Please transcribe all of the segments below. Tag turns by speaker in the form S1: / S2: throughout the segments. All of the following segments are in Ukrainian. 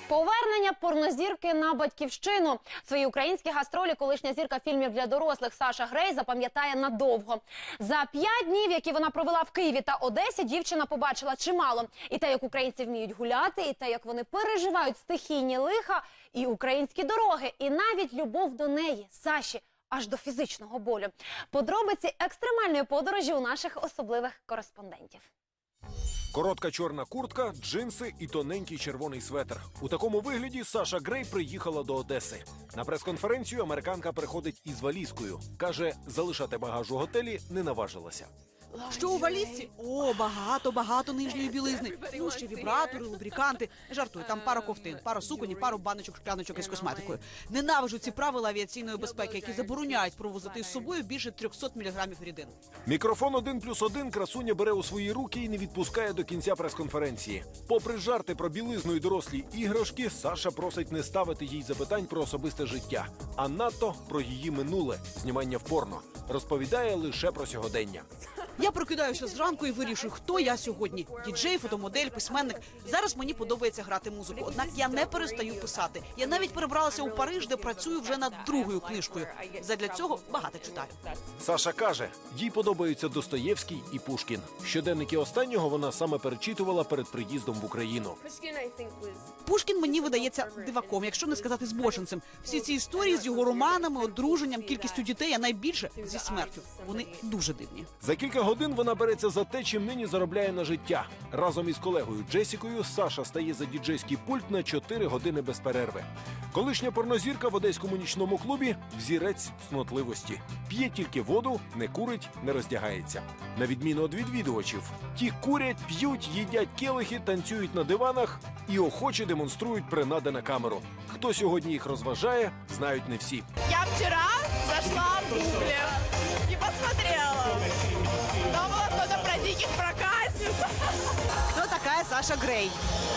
S1: Повернення порнозірки на батьківщину. Свої українські гастролі колишня зірка фільмів для дорослих Саша Грей запам'ятає надовго. За 5 днів, які вона провела в Києві та Одесі, дівчина побачила чимало. І те, як українці вміють гуляти, і те, як вони переживають стихійні лиха, і українські дороги, і навіть любов до неї, Саші, аж до фізичного болю. Подробиці екстремальної подорожі у наших особливих кореспондентів.
S2: Коротка чорна куртка, джинси і тоненький червоний светр. У такому вигляді Саша Грей приїхала до Одеси. На прес-конференцію американка приходить із валізкою. Каже, залишати багаж у готелі не наважилася.
S3: Що у валізці? О, багато нижньої білизни. Ну, ще вібратори, лубриканти. Жартую, там пара ковтин, пара суконь, пару баночок, шкляночок із косметикою. Ненавиджу ці правила авіаційної безпеки, які забороняють провозити з собою більше 300 мг рідин.
S2: Мікрофон 1+1 красуня бере у свої руки і не відпускає до кінця прес-конференції. Попри жарти про білизну і дорослі іграшки, Саша просить не ставити їй запитань про особисте життя, а надто про її минуле – знімання в порно. Розповідає лише про сьогодення.
S3: Я прокидаюся зранку і вирішую, хто я сьогодні. Діджей, фотомодель, письменник. Зараз мені подобається грати музику, однак я не перестаю писати. Я навіть перебралася у Париж, де працюю вже над другою книжкою. Задля цього багато читаю.
S2: Саша каже, їй подобаються Достоєвський і Пушкін. Щоденники останнього вона саме перечитувала перед приїздом в Україну.
S3: Пушкін мені видається диваком, якщо не сказати збоченцем. Всі ці історії з його романами, одруженням, кількістю дітей, а найбільше зі смертю. Вони дуже дивні.
S2: За кілька годин вона береться за те, чим нині заробляє на життя. Разом із колегою Джесікою Саша стає за діджейський пульт на 4 години без перерви. Колишня порнозірка в одеському нічному клубі – взірець цнотливості. П'є тільки воду, не курить, не роздягається. На відміну від відвідувачів, ті курять, п'ють, їдять келихи, танцюють на диванах і охоче демонструють принади на камеру. Хто сьогодні їх розважає, знають не всі.
S4: Я вчера зашла в Гугле и посмотрела. Там было что-то про диких проказниц.
S3: Хто така Саша Грей?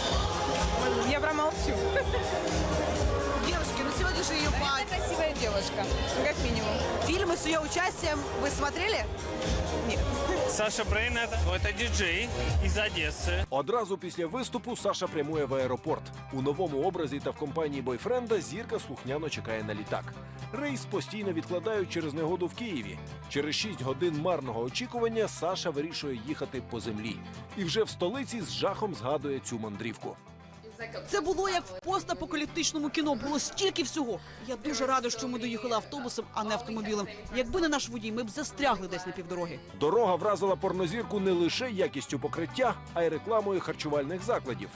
S4: Я промолчу.
S3: Девушки, ну сегодня же ее
S4: Это красивая девушка, ну, как минимум.
S3: Фильмы с ее участием вы смотрели? Нет.
S5: Саша Брейн – это диджей из Одессы.
S2: Одразу після виступу Саша прямує в аеропорт. У новому образі та в компанії бойфренда зірка слухняно чекає на літак. Рейс постійно відкладають через негоду в Києві. Через 6 годин марного очікування Саша вирішує їхати по землі. І вже в столиці з жахом згадує цю мандрівку.
S3: Це було як в постапокаліптичному кіно, було стільки всього. Я дуже рада, що ми доїхали автобусом, а не автомобілем. Якби не наш водій, ми б застрягли десь на півдороги.
S2: Дорога вразила порнозірку не лише якістю покриття, а й рекламою харчувальних закладів.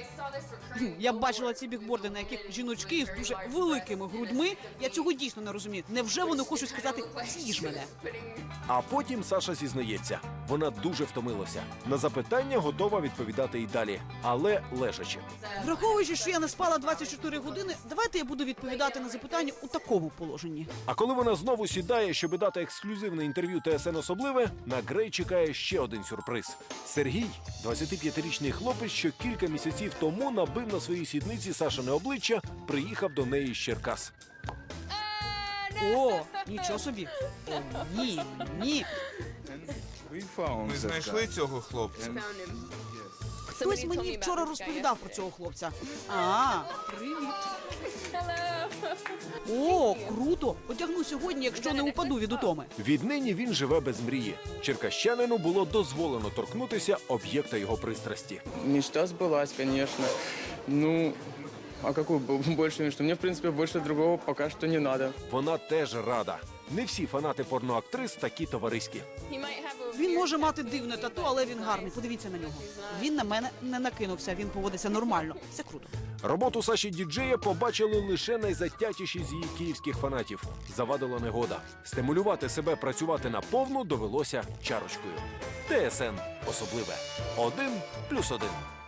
S3: Я бачила ці бігборди, на яких жіночки з дуже великими грудьми. Я цього дійсно не розумію. Невже вони хочуть сказати «з'їж мене»?
S2: А потім Саша зізнається, вона дуже втомилася. На запитання готова відповідати і далі, але лежачи.
S3: Враховуючи, що я не спала 24 години, давайте я буду відповідати на запитання у такому положенні.
S2: А коли вона знову сідає, щоб дати ексклюзивне інтерв'ю ТСН «Особливе», на Грей чекає ще один сюрприз. Сергій, 25-річний хлопець, що кілька місяців тому набив на своїй сідниці Сашине обличчя, приїхав до неї з Черкас.
S3: О, нічого собі. О, ні.
S6: Ми знайшли цього хлопця.
S3: Хтось мені вчора розповідав про цього хлопця. Привіт. О, круто. Одягну сьогодні, якщо не упаду від утоми.
S2: Віднині він живе без мрії. Черкащанину було дозволено торкнутися об'єкта його пристрасті.
S7: Мечта сбылась, конечно. Ну, а какую больше мечту? Мне, в принципе, больше другого пока что не надо.
S2: Вона теж рада. Не всі фанати порноактрис такі товариські.
S3: Він може мати дивне тату, але він гарний. Подивіться на нього. Він на мене не накинувся, він поводиться нормально. Все круто.
S2: Роботу Саші діджея побачили лише найзатятіші з її київських фанатів. Завадила негода. Стимулювати себе працювати наповну довелося чарочкою. ТСН особливе. 1+1.